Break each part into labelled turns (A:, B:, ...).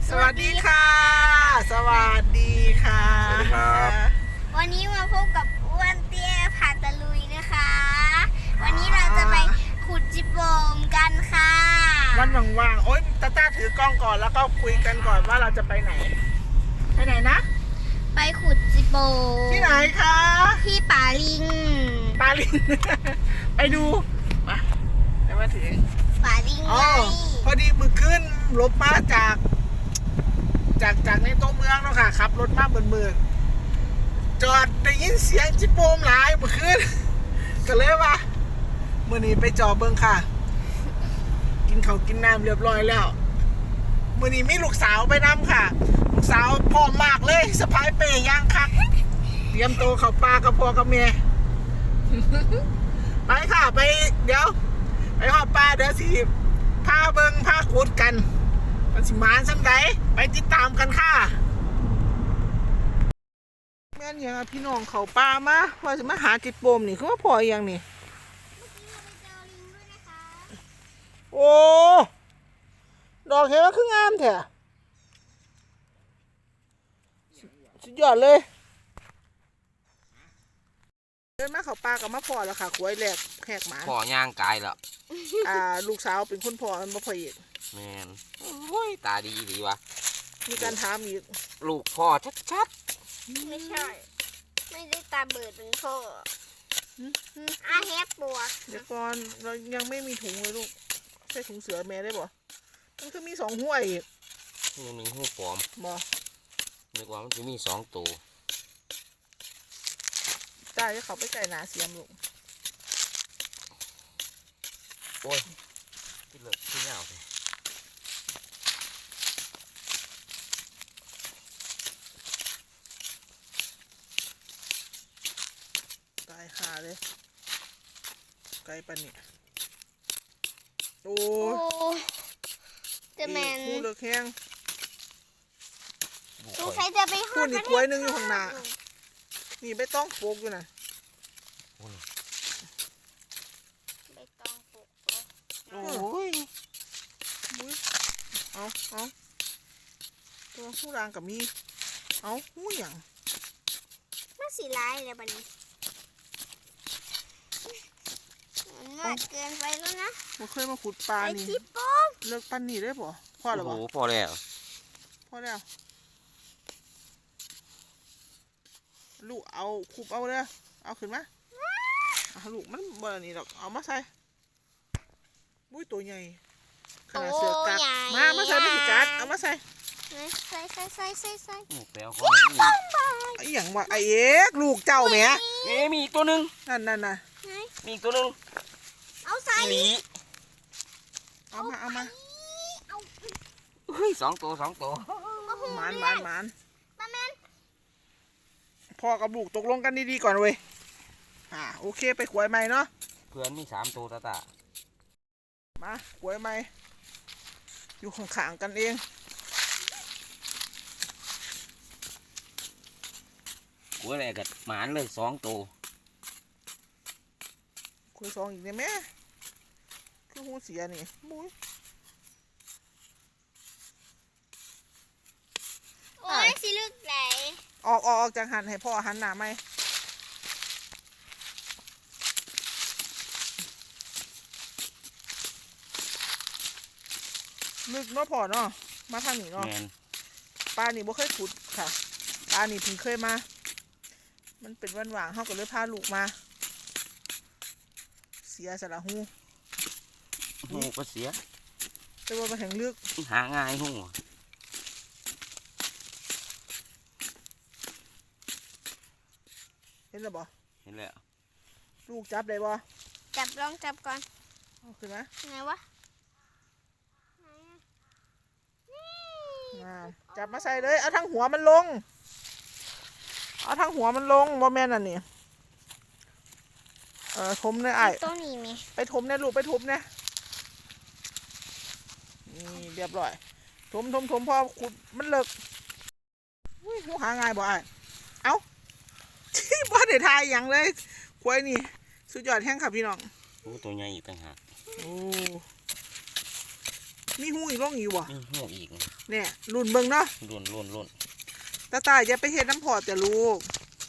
A: สวัสดีค่ะสวัสดีค่ะ
B: สวัสดีครับ
C: วันนี้มาพบกับอ้วนเตี้ยผ่าตะลุยนะคะ วันนี้เราจะไปขุดจิโปมกันค่ะ
A: วันว่างๆโอ๊ยต้าถือกล้องก่อนแล้วก็คุยกันก่อนว่าเราจะไปไหนนะ
C: ไปขุดจิโปม
A: ที่ไหนคะ
C: ที่ป่าลิง
A: ปาลิน ไปดูมาเดี๋ยวมาถึง
C: ป่าลิง
A: อ๋อ
C: ไง
A: พอดีมือขึ้นรถมาจากในตัวเมืองเนาะค่ะขับรถมาเมืองจอดได้ยินเสียงจิโปมหลายมือขึ้น ก็เลยว่ามื่อนี้ไปจอเบิ้งค่ะ กินข้าวกินน้ำเรียบร้อยแล้วมื่อนี้มีลูกสาวไปน้ำค่ะ ลูกสาวพร้อมมากเลยสะพายเป้ย่างคักเตรียมตัวเข้าป่ากับพ่อกับแม่ ไปค่ะไปเดี๋ยวไปหอบป่าเดี๋ยวสิพาเบิ้งพาขุดกันมันสิมานสักไหนไปติดตามกันค่ะแม่นยังพี่น้องเขาป่ามาว่าจะมาหาจิตโปมนี่คือว่าพออย่างนี่ โอ้ดอกเห็นว่าคืองามแท้สุดยอดเลยเดินมาเขาปลากับมาพ่อแล้วค่ะขวยแหลกแหกหมา
B: พ่อย่างกายแล้ว
A: ลูกสาวเป็นคนพ่อมันบ่พ่อเอก
B: แมนโอ้ยตาดีดีวะ
A: มีการถามอีก
B: ลูกพ่อชัด
C: ไม่ใช่ ไม่ได้ตาเบิดเป็นพ่ออาแฮปปวก
A: เดี๋ยวก่อนเรายังไม่มีถุงเลยลูกใส่ถุงเสือแม่ได้บ่มันก็มี2ห้วยอีก
B: ๆนี่หนึ่งหูปลอม
A: บ่
B: นึกว่ามันจะมี2ตัว
A: จ้าจะเขาไปไก่หนาเสียมลูก
B: โอ้ยที่เลิกที่เงาเลย
A: ตายขาเลยไก่ปันนี่โอ้
C: โอ้
A: ย
C: จะแมน
A: คู่เลือกแห้ง
B: บุก
C: สง
B: ไป
C: สัยจะไปห
A: คู่นี่กล้วยหนึงอยู่ข้างหน้า นี่ไม่ต้องโฟกอยู่นะ
C: ใบตองปลูกตัว
B: โอ้ย
A: เอาตัวผู้รางกับมีเอาหูอย่าง
C: มันสีลายเลยบัดนี้มันมากเกินไปแล้วนะ
A: บ่เคยมาขุดปลา
C: ไอ
A: นี่
C: จิโปม
A: เลิกปันนี่ได้ป่ะพ่อหรอ
B: โอ้
A: บ่
B: โหพอแล้ว
A: พ่อแล้วลูกเอาคุบเอาเลยเอาขึ้นมาลูกมันบ่อนนี่หรอกเอามาใส่บุ้ยตัวใหญ่ขนาดเสือกัดมาใส่ไม่สิกัดเอามาใส่
C: ใส่
B: นี่แปลวเขา
A: ไอ้หยังวะไอ้เอ็กลูกเจ้าแหม
B: มีอีกตัวหนึง
A: นั่น
B: มีอีกตัวหนึง
C: เอาใส่
B: อีหลี
A: เอามา
B: เฮ้ย2 ตัว
A: หมาน
C: ป้าแมน
A: พ่อกับลูกตกลงกันดีๆก่อนเว้ยโอเคไปขวยใหม่เนาะ
B: เพื่อนมี3 ตัวตา
A: มาขวยใหม่อยู่ข้างๆกันเอง
B: กูอะไรกัดหมานเลย2 ตัว
A: ขวยสองอีกเนี่ยแม่คือหูเสียนี่มุ้ย
C: โอ้ยสิลึกไหล
A: ออกจากหันให้พ่อหันหน้าไหมลึกเนาะพ่อเนาะมาทางนี้เนาะ
B: แมน
A: ปลานี่บ่เคยขุดค่ะปลานี่เพิ่งเคยมามันเป็นวันว่างเขาก็เลยพาลูกมาเสียสละหู
B: หูก็เสีย
A: แต่ว่ามาแห่งลึก
B: หาง่ายหู
A: เห็นหรือบ่
B: เห็นแล้ว
A: ลูกจับได้บ่
C: ลองจับก่อน
A: เอาขึ้นมา
C: ไงวะ
A: จับมาใส่เลยเอาทั้งหัวมันลงบ่แม่นอันนี้ทมเลยไอ้
C: ต้นนี้มี
A: ไปถมเนี่ยลูกไปถมเนี่ยนี่เรียบร้อยถมพอขุดมันเลิกอุ้ยหูหาง่ายบ่ไอ้เอ้า ที่บ่ได้ทายอย่างเลยควายนี่สุดยอดแห้งค่ะพี่น้อง
B: โอ้ตัวใหญ่อีกต่างหาก
A: โอ้มีหูอีกร่องอยู่บ่
B: มีหูอีก
A: เนี่ยรุ่นเบิ่งเนาะ
B: ลุ่น
A: ตาอย่าไปเฮ็ดน้ำพอแต่ลูก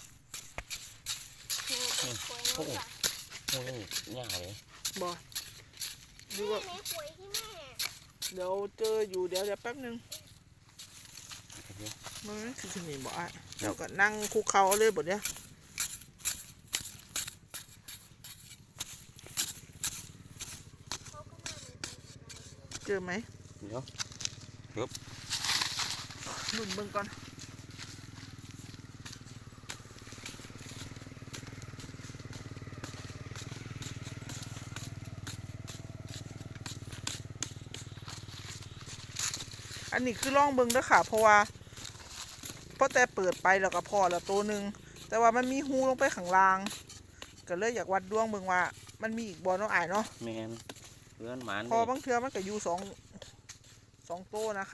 B: หูนี่ยาวเลย
A: บ่ดูว่า
C: แม่คุยที่แม่
A: เดี๋ยวเจออยู่เดี๋ยวแป๊บนึงมันคือที่นี่บ่ไอ้เดี๋ยวก็นั่งคุกเข่าเลยบ่เนี่ยเจอไหม
B: เดี๋ยว
A: รุ่นเบิ่งก่อนอันนี้คือล่องเบิ่งเด้อค่ะเพราะว่าพอแต่เปิดไปแล้วก็พอแล้วตัวหนึ่งแต่ว่ามันมีหูลงไปข้างล่างก็เลยอยากวัดดวงเบิ่งว่ามันมีอีกบ่เนาะอ้ายเนาะ
B: แมนเพื่อนหมาน
A: พอบางเทื่อมันก็อยู่สองตัวนะคะ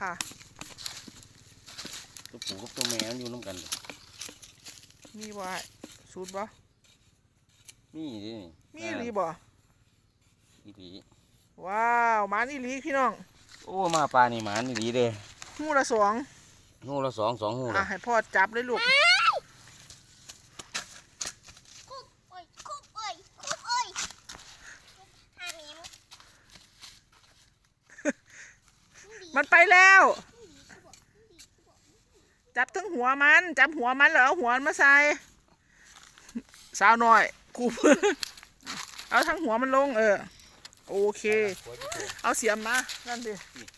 B: ตัวผู้กับตัวแม่มันอยู่น้ำกัน
A: มีบ่สูตรบ่
B: มีดิ
A: มีอีหลีบ่
B: อีหลี
A: ว้าวหมาอีหลีพี่น้อง
B: โอ้มาปลานี่หมานอีหลีเด้
A: หูละสอง
B: หูละสองหู
A: อ่ะ
B: ละ
A: ให้พ่อจับเลยลูก
C: คุบเอ้ยคุบเอ้ยคุบเอ้ยหาหมี
A: มันไปแล้ว จับทั้งหัวมันจับหัวมันแล้วเอาหัวมันมาใส่สาวหน่อยกู เอาทั้งหัวมันลงโอเค เอาเสียมมานั่นดิ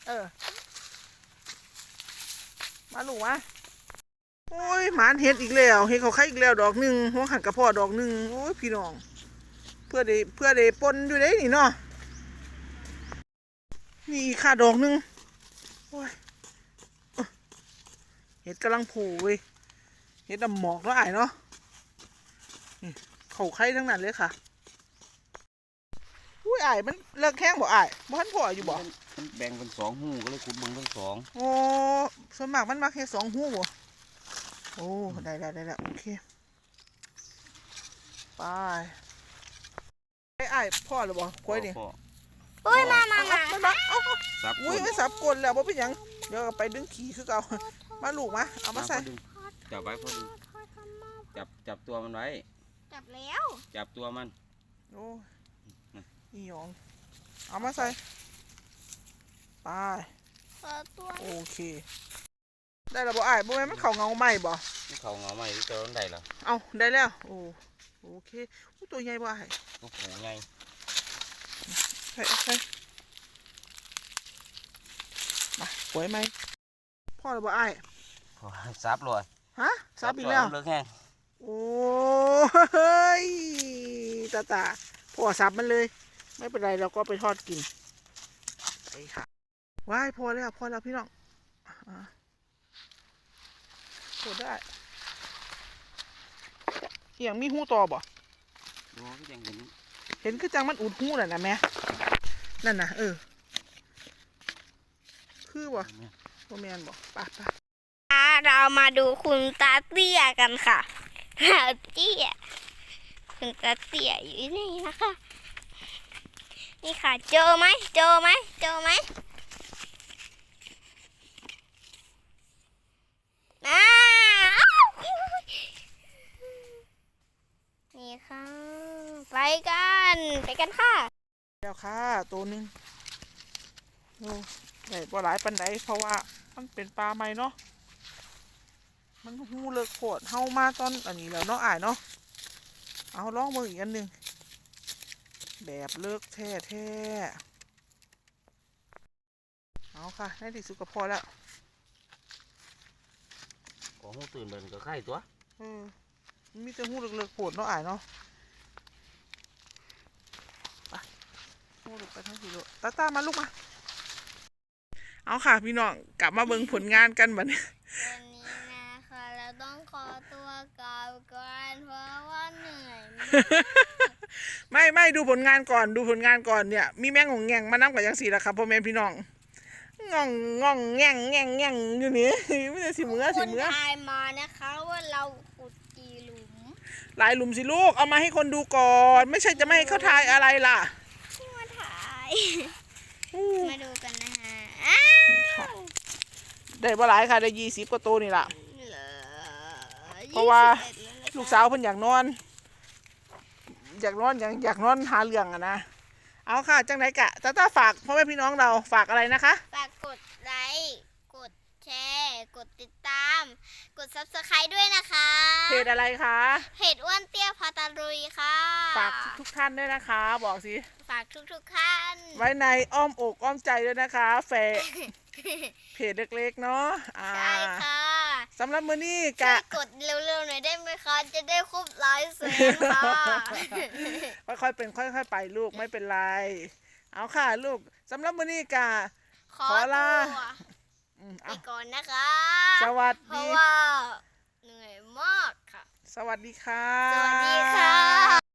A: มาลูกวะโอ้ยหมานเห็ดอีกแล้วเห็ดเขาไข่อีกแล้วดอกหนึ่งหัวหันกระเพาะดอกหนึ่งโอ้ยพี่น้องเพื่อได้ปนอยู่ได้นี่เนาะนี่อีกค่ะดอกหนึ่งโอ้ยเห็ดกำลังโผล่เว้ยเห็ดดำหมอกแล้วไอ้เนาะนี่เขาไข่ทั้งนั้นเลยค่ะอุ้ยไอ้มันเลิกแข้งบ่ไอ้บ่ทันพออยู่บ่
B: มันแบ่งเป็นสองหูก็เลยขุดเบิ่งเป็นสอง
A: โอ้ส่วนมากมันมาแค่สองหูบ่โอ้ได้โอเคไปไอ้พ่อหรือบ่ควายนี่
B: พ่อ
C: โอ้ยมา
A: มันมาเอา
B: สับ
A: อุ้ยไม่สับกลแล้วบ่เป็นหยังเดี๋ยวไปดึงขี้คือเก่ามาลูกมาเอามาใส่
B: จับไว้พอดีจับตัวมันไว้
C: จับแล้ว
B: จับตัวมัน
A: โอ้นี่หยองเอามาใส่ไป
C: ตัว
A: โอเคได้แล้วบ่อ้ายบ่แม่นมันเข้าเงาไหมบ่
B: เขาเงาใหม่ที่เจอต้นใดล่ะ
A: เอาได้แล้วโอเคอู้ตัวใหญ่บ่อ้าย
B: ตัวผู้ไง
A: ใส่มาสวยไหมพ่อหรือบ่อ้าย
B: ซับเลย
A: ฮะซับอีกแล้ว
B: เลิกแห้ง
A: โอ้ยตาพ่อซับมันเลยไม่เป็นไรเราก็ไปทอดกินไปค่ะว้ายพอแล้วพี่น้องพอได้อย่างมีหูต่อบ่
B: ดูก็ยังเห็น
A: เห็นคือจังมันอุดหูน่ะนะแม่นั่นน่ะคือบ่บ่แม่นบ่ไป
C: เรามาดูคุณตาเตี้ยกันค่ะตาเตี้ยคุณตาเตี้ยอยู่นี่นะคะ นี่ค่ะเจอไหมอ้าวนี่ค่ะไปกันค่ะ
A: แล้วค่ะตัวหนึงโอ้ได้บ่หลายปันใดเพราะว่ามันเป็นปลาใหม่เนาะมันหูเลิกโคตรเฮามาตอนอันนี้แล้วเนาะอ้ายเนาะเอาลองเบิ่งอีกอันหนึงแบบเลิกแท้เอาค่ะในที่สุดก็พอแล้ว
B: ของหูตื่นเดินก็ไข่ตัว
A: มันมีแต่หูเลิกๆโคตรเนาะอ้ายเนาะไปหูเลิกไปทั้งทีเลยตามาลูกมาเอาค่ะพี่น้องกลับมาเบิ่งผลงานกันบัดนี้
C: วันนี้นะคะเราต้องขอตัวกลับก่อนเพราะว่าเหนื่อยมาก
A: ไม่ดูผลงานก่อนเนี่ยมีแมงงงแงงมานั่งกับยังสี่ละครับพ่อแม่พี่น้องงองแงงอยู่นี่ไม่ได้สิมือ
C: คนทายมานะคะว่าเราขุดกี่หลุม
A: หลายหลุมสิลูกเอามาให้คนดูก่อน ไม่ใช่จะไม่ให้เขาทายอะไรล่ะ
C: ที่มาถ่าย มาดูกันนะคะ
A: ได้บ่หลายค่ะได้20กว่าตัวนี่ล่ะ เพราะว่า ลูกสาวเพิ่นอยากนอนอยากนอนหาเรื่องอะนะเอาค่ะจังไหนกะตาฝากพ่อแม่พี่น้องเราฝากอะไรนะคะ
C: ฝากกดไลค์กดแชร์กดติดตามกด Subscribe ด้วยนะคะ
A: เพจอะไรคะ
C: เพจอ้วนเตี้ยพาตาลุยค่ะ
A: ฝากทุกท่านด้วยนะคะ บอกสิ
C: ฝากทุกท่าน
A: ไว้ในอ้อมอกอ้อมใจด้วยนะคะเพจเล็กๆเนาะ
C: ใช่ค่ะ
A: สำหรับมื้อนี้
C: ช่ว
A: กะ
C: ยกดเร็วๆหน่อยได้ไหมคะจะได้ครบ100 ค่ะ
A: ค่อยๆเป็นค่อยๆไปลูกไม่เป็นไรเอาค่ะลูกสำหรับมื้อนี้กะ
C: ขอ
A: ขอลา
C: ตัว
A: ไป
C: ก่อนนะคะ
A: สวัส
C: เพราะ
A: ดี
C: ว่าเหนื่อยมากค่ะ
A: สวัสดีค่ะ
C: สวัสดีค่ะ